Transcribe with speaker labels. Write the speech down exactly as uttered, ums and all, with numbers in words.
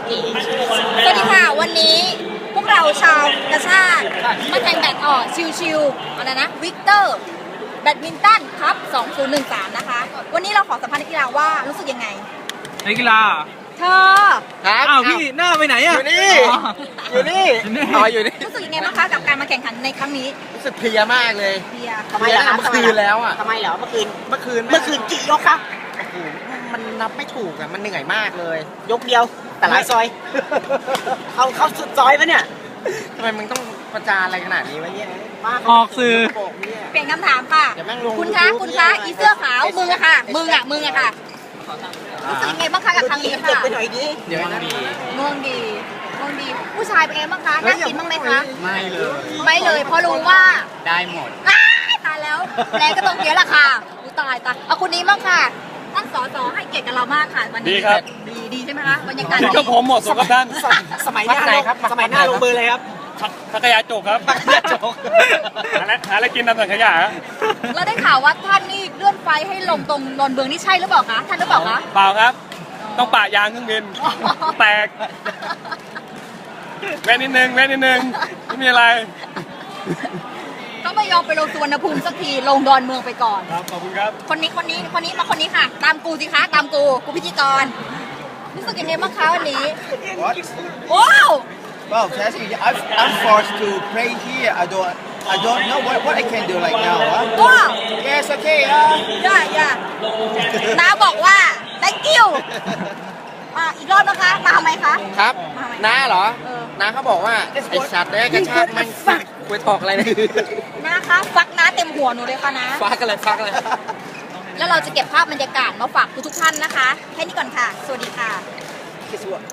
Speaker 1: สวัสดีค่ะวันนี้พวกเราชาวกระชากมาแข่งแบดออกชิวๆอะไรนะวิกเตอร์แบดมินตันครับสองศูนย์หนึ่งสามนะคะวันนี้เราขอสัมภาษณ์นักกีฬาว่ารู้สึกยังไง
Speaker 2: นักกีฬา
Speaker 1: เธอ
Speaker 2: ครับอ้าวพี่หน้าไปไหนอะ
Speaker 3: อยู่นี่อยู่นี่อ๋ออยู่นี่
Speaker 1: รู้สึกยังไงบ้างคะกับการมาแข่งขันในครั้งนี้
Speaker 3: รู้สึกเพลียมากเลย
Speaker 1: เพลีย
Speaker 3: ทำไมล่ะเมื่อคืนแล้วอ่ะ
Speaker 4: ทำไมเหรอเมื่อคืน
Speaker 3: เมื่อคืน
Speaker 4: เมื่อคืนกี่ยกครับ
Speaker 3: โอ้โหมันนับไม่ถูกอ่ะมันเหนื่อยมากเลย
Speaker 4: ยกเดียวแต่หลายซอยเอาเข้าสุดซอยปะเนี่ย
Speaker 3: ทำไมมึงต้องประจานอะไรขนาดนี้วะเนี่ย
Speaker 2: ออกสื่อ
Speaker 1: เปลี่ยนคำถามค่ะคุณคะคุณคะอีเสื้อขาวมึงอะค่ะมึงอะมึงอะค่ะรู้สึกยังไงบ้างคะกับครั้งนี้ค่ะ
Speaker 4: ไปหน่อยดิ
Speaker 3: เดี๋ยวนะ
Speaker 1: เมืองดีเมืองดีผู้ชายเป็นไงบ้างคะน่ากินบ้างไหมคะ
Speaker 2: ไม่เลย
Speaker 1: ไม่เลยเพราะรู้ว่า
Speaker 2: ได้หมด
Speaker 1: ตายแล้วแรงก็ต้องเยอะละค่ะตายตายเอาคนนี้บ้างค่ะท่านสสให้เกียรติกับเรามากค่ะวันนี้
Speaker 2: ดีครับ
Speaker 1: ดีดีใช่ไหมคะบรรยากาศดี
Speaker 2: ก็ผมหมดสมกับท่าน
Speaker 4: สมัยหน้าครับสมัยหน้าลงเบอร์เลยครับ
Speaker 2: พักยาจกครับพักยาจกหาอะไรหาอะไรกินตามสังขยา
Speaker 1: เราได้ข่าวว่าท่านนี่เลื่อนไฟให้ลงตรงนนเบืองนี่ใช่หรือเปล่าคะท่านหรือเปล่าคะ
Speaker 2: เปล่าครับต้องปะยางเครื่องบินแตกแว่นนิดนึงแว่นนิดนึงไม่มีอะไร
Speaker 1: ต้องไม่ยอมไปลงสุวรรณภูมิสักทีลงดอนเมืองไปก่อน
Speaker 2: ครับขอบคุณครับ
Speaker 1: คนนี้คนนี้คนนี้มาคนนี้ค่ะตามกูสิคะตามกูกูพิธีกรรู้สึกยังไงบ้างคะวันนี้ว้าว
Speaker 5: Well, Tassie, I've, I'm forced to pray here. I don't, I don't know what, what I can do right now. Huh?
Speaker 1: Wow.
Speaker 5: Yes, okay. Uh.
Speaker 1: Yeah, yeah. น้าบอกว่า thank you อ่ะอีกรอบนะคะมาทำไมคะ
Speaker 3: ครับน้าเหรอน้าเขาบอกว่าไอ้สัตว์เนี่ยกระชากมันฟักคุยถอกอะไรเนี่ย
Speaker 1: น้าคะฟักน้าเต็มหัวหนูเลยค่ะนะ
Speaker 3: ฟักอะไรฟักอะไร
Speaker 1: แล้วเราจะเก็บภาพบรรยากาศมาฝากทุกท่านนะคะแค่นี้ก่อนค่ะสวัสดีค่ะ